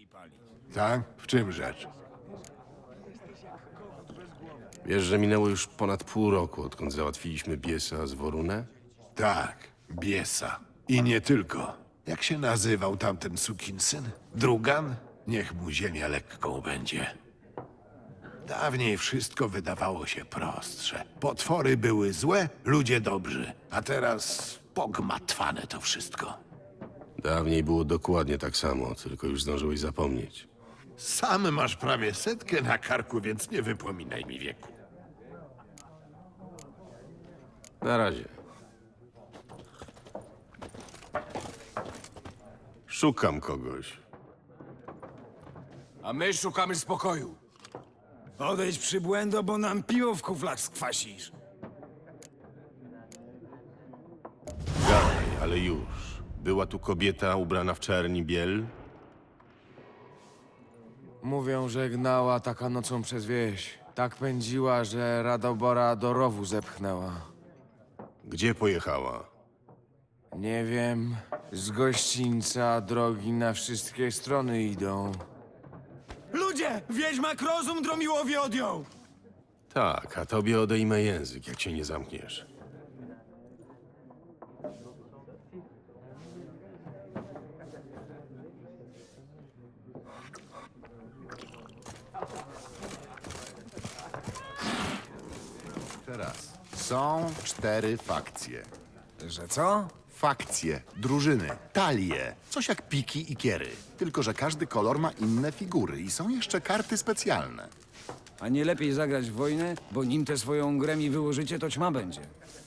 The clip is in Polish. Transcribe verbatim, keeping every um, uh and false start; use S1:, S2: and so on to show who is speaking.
S1: Tak? W czym rzecz?
S2: Wiesz, że minęło już ponad pół roku, odkąd załatwiliśmy Biesa z Worunę?
S1: Tak, Biesa. I nie tylko. Jak się nazywał tamten sukinsyn? Drugan? Niech mu ziemia lekką będzie. Dawniej wszystko wydawało się prostsze. Potwory były złe, ludzie dobrzy. A teraz pogmatwane to wszystko.
S2: Dawniej było dokładnie tak samo, tylko już zdążyłeś zapomnieć.
S1: Sam masz prawie setkę na karku, więc nie wypominaj mi wieku.
S2: Na razie. Szukam kogoś.
S3: A my szukamy spokoju. Odejdź przybłędo, bo nam piwo w kuflach skwasisz.
S2: Gadaj, ale już. Była tu kobieta ubrana w czerni biel?
S4: Mówią, że gnała taka nocą przez wieś. Tak pędziła, że Radobora do rowu zepchnęła.
S2: Gdzie pojechała?
S4: Nie wiem, z gościńca drogi na wszystkie strony idą.
S3: Ludzie! Wiedźmak rozum Dromiłowi odjął!
S2: Tak, a tobie odejmę język, jak się nie zamkniesz.
S5: Teraz. Są cztery fakcje.
S3: Że co?
S5: Fakcje, drużyny, talie. Coś jak piki i kiery. Tylko że każdy kolor ma inne figury i są jeszcze karty specjalne.
S6: A nie lepiej zagrać w wojnę, bo nim tę swoją grę mi wyłożycie, to ćma będzie.